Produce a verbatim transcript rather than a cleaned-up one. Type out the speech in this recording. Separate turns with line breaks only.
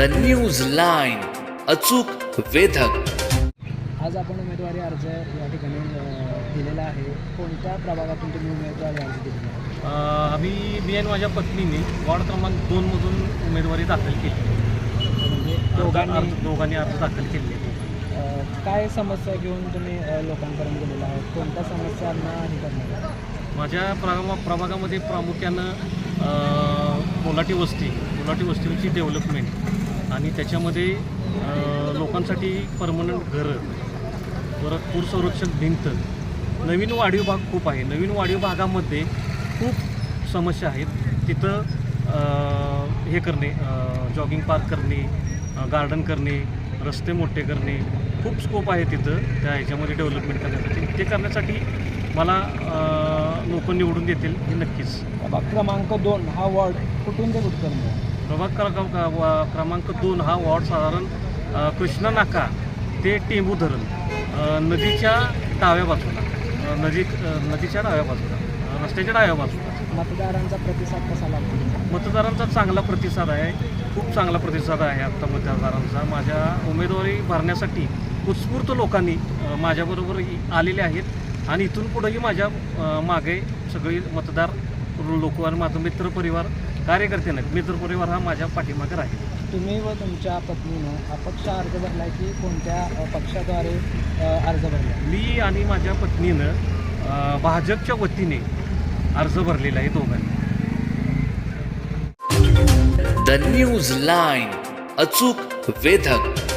News line, अचूक वेधक.
आज आपण उमेदवारी अर्ज या ठिकाणी अ, दिलेला आहे. कोणत्या प्रभागातून तुम्ही उमेदवारी अर्ज दिलेला आहे?
अ, आम्ही मी आणि माझ्या पत्नीने वॉर्ड क्रमांक दोनमधून उमेदवारी दाखल केली.
म्हणजे
अर्ज
दोघांनी
अर्ज- दोघांनी अर्ज दाखल केले.
अ, काय समस्या घेऊन तुम्ही अ, लोकांपर्यंत गेलेला आहात? कोणत्या समस्यांना हे करणार आहे?
माझ्या प्रमा प्रभागामध्ये प्रामुख्यानं अ, मोलाटी वस्ती मोलाटी वस्तीची डेव्हलपमेंट आणि त्याच्यामध्ये अ, लोकांसाठी परमनंट घरं, परत पूर संरक्षण भिंत, नवीन वाढीव भाग खूप आहे. नवीन वाढीव भागामध्ये खूप समस्या आहेत. तिथं अ, हे करणे, जॉगिंग पार्क करणे, गार्डन करणे, रस्ते मोठे करणे, खूप स्कोप आहे तिथं त्या ह्याच्यामध्ये डेव्हलपमेंट करण्यासाठी. ते करण्यासाठी मला लोक निवडून देतील हे नक्कीच.
प्रभाग क्रमांक दोन हा वॉर्ड कुठून ते कुठपर्यंत आहे?
प्रभाग क्रमांक क्रमांक दोन हा वॉर्ड साधारण अ, कृष्णा नाका ते टेंबू धरण, अ, नदीच्या डाव्या बाजूला, अ, नदी अ, नदीच्या डाव्या बाजूला, अ, रस्त्याच्या डाव्या बाजूला.
मतदारांचा प्रतिसाद कसा लागतो?
मतदारांचा चांगला प्रतिसाद आहे, खूप चांगला प्रतिसाद आहे आत्ता मतदारांचा. माझ्या उमेदवारी भरण्यासाठी उत्स्फूर्त लोकांनी अ, माझ्याबरोबर इ- आलेले आहेत आणि इथून पुढेही माझ्या अ, मागे सगळी मतदार लोक आणि माझं मित्रपरिवार, कार्यकर्ते नाहीत, मित्रपरिवार हा माझ्या पाठीमागे राहील.
तुम्ही व तुमच्या पत्नीनं अपक्ष अर्ज भरला आहे की कोणत्या अ, पक्षाद्वारे अ, अर्ज भरला?
मी आणि माझ्या पत्नीनं अ, भाजपच्या वतीने अर्ज भरलेला आहे दोघांनी.
द न्यूज लाईन, अचूक वेधक.